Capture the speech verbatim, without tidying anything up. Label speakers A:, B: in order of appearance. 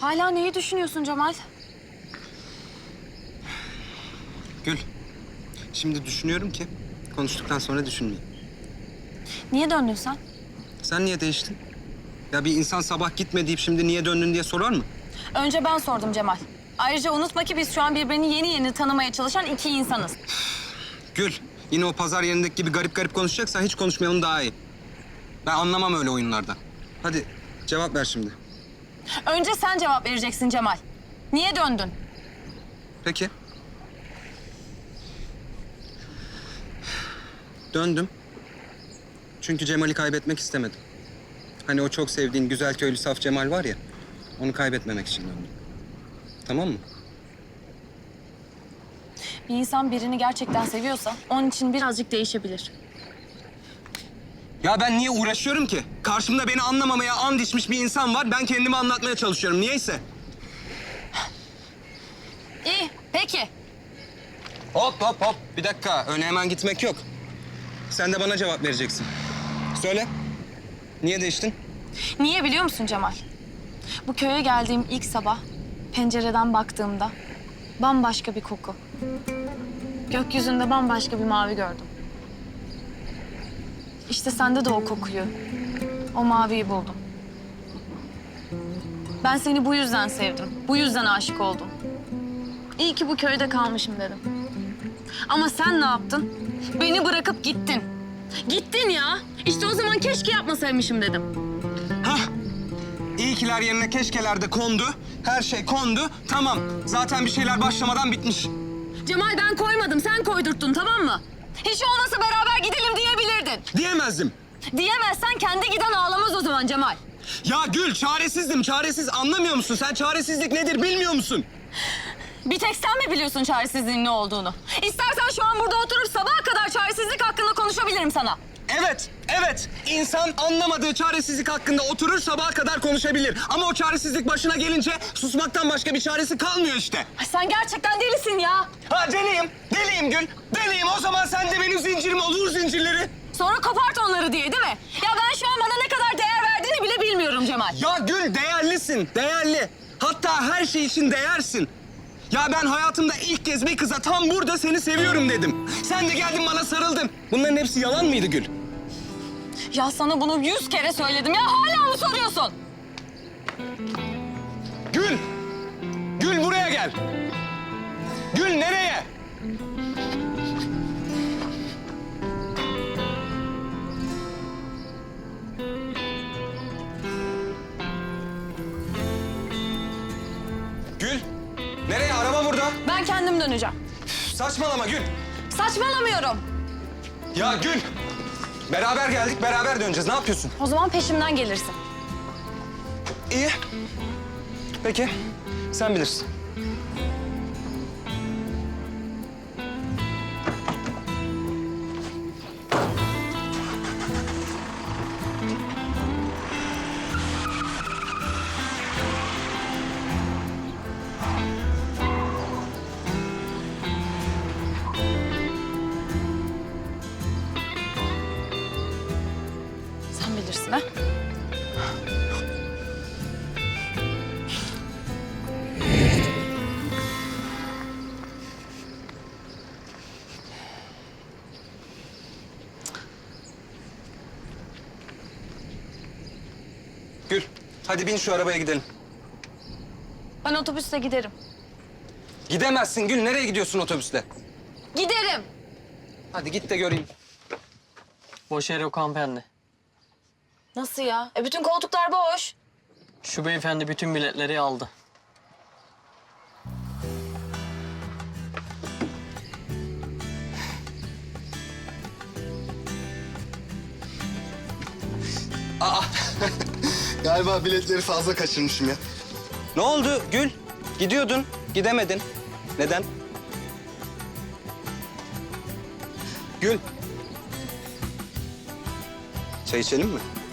A: Hala neyi düşünüyorsun Cemal?
B: Gül, şimdi düşünüyorum ki konuştuktan sonra düşünmeyeyim.
A: Niye döndün sen?
B: Sen niye değiştin? Ya bir insan sabah gitme deyip şimdi niye döndün diye sorar mı?
A: Önce ben sordum Cemal. Ayrıca unutma ki biz şu an birbirini yeni yeni tanımaya çalışan iki insanız.
B: Gül, yine o pazar yerindeki gibi garip garip konuşacaksan hiç konuşmayalım daha iyi. Ben anlamam öyle oyunlardan. Hadi cevap ver şimdi.
A: Önce sen cevap vereceksin Cemal. Niye döndün?
B: Peki. Döndüm. Çünkü Cemal'i kaybetmek istemedim. Hani o çok sevdiğin güzel köylü saf Cemal var ya, onu kaybetmemek için döndüm. Tamam mı?
A: Bir insan birini gerçekten seviyorsa onun için birazcık değişebilir.
B: Ya ben niye uğraşıyorum ki? Karşımda beni anlamamaya and içmiş bir insan var. Ben kendimi anlatmaya çalışıyorum. Niyeyse.
A: İyi, peki.
B: Hop hop hop. Bir dakika. Öyle hemen gitmek yok. Sen de bana cevap vereceksin. Söyle. Niye değiştin?
A: Niye biliyor musun Cemal? Bu köye geldiğim ilk sabah pencereden baktığımda bambaşka bir koku. Gökyüzünde bambaşka bir mavi gördüm. İşte sende de o kokuyu, o maviyi buldum. Ben seni bu yüzden sevdim, bu yüzden aşık oldum. İyi ki bu köyde kalmışım dedim. Ama sen ne yaptın? Beni bırakıp gittin. Gittin ya. İşte o zaman keşke yapmasaymışım dedim.
B: Hah. İyikiler yerine keşkeler de kondu. Her şey kondu. Tamam. Zaten bir şeyler başlamadan bitmiş.
A: Cemal ben koymadım, sen koydurttun tamam mı? Hiç olmasa beraber gidelim diyebilirdin.
B: Diyemezdim.
A: Diyemezsen kendi giden ağlamaz o zaman Cemal.
B: Ya Gül, çaresizdim. Çaresiz. Anlamıyor musun? Sen çaresizlik nedir bilmiyor musun?
A: Bir tek sen mi biliyorsun çaresizliğin ne olduğunu? İstersen şu an burada oturup sabaha kadar çaresizlik hakkında konuşabilirim sana.
B: Evet, evet. İnsan anlamadığı çaresizlik hakkında oturur sabaha kadar konuşabilir. Ama o çaresizlik başına gelince susmaktan başka bir çaresi kalmıyor işte.
A: Ay sen gerçekten delisin ya.
B: Ha deliyim, deliyim Gül. Deliyim. O zaman sen de benim zincirim ol, vur zincirleri.
A: Sonra kopart onları diye değil mi? Ya ben şu an bana ne kadar değer verdiğini bile bilmiyorum Cemal.
B: Ya Gül değerlisin, değerli. Hatta her şey için değersin. Ya ben hayatımda ilk kez bir kıza tam burada seni seviyorum dedim. Sen de geldin bana sarıldın. Bunların hepsi yalan mıydı Gül?
A: Ya sana bunu yüz kere söyledim ya hala mı soruyorsun?
B: Gül! Gül buraya gel. Gül nereye? Gül! Nereye? Araba burada.
A: Ben kendim döneceğim.
B: Saçmalama Gül.
A: Saçmalamıyorum.
B: Ya Gül! Beraber geldik, beraber döneceğiz. Ne yapıyorsun?
A: O zaman peşimden gelirsin.
B: İyi. Peki, sen bilirsin.
A: Sen bilirsin ha.
B: Gül, hadi bin şu arabaya gidelim.
A: Ben otobüste giderim.
B: Gidemezsin Gül. Nereye gidiyorsun otobüsle?
A: Giderim.
B: Hadi git de göreyim.
C: Boş yer yok hanımefendi.
A: Nasıl ya? E bütün koltuklar boş.
C: Şu beyefendi bütün biletleri aldı.
B: Aa,
D: Galiba biletleri fazla kaçırmışım ya.
B: ne oldu Gül? Gidiyordun, gidemedin. Neden? Gül. Çay içelim mi?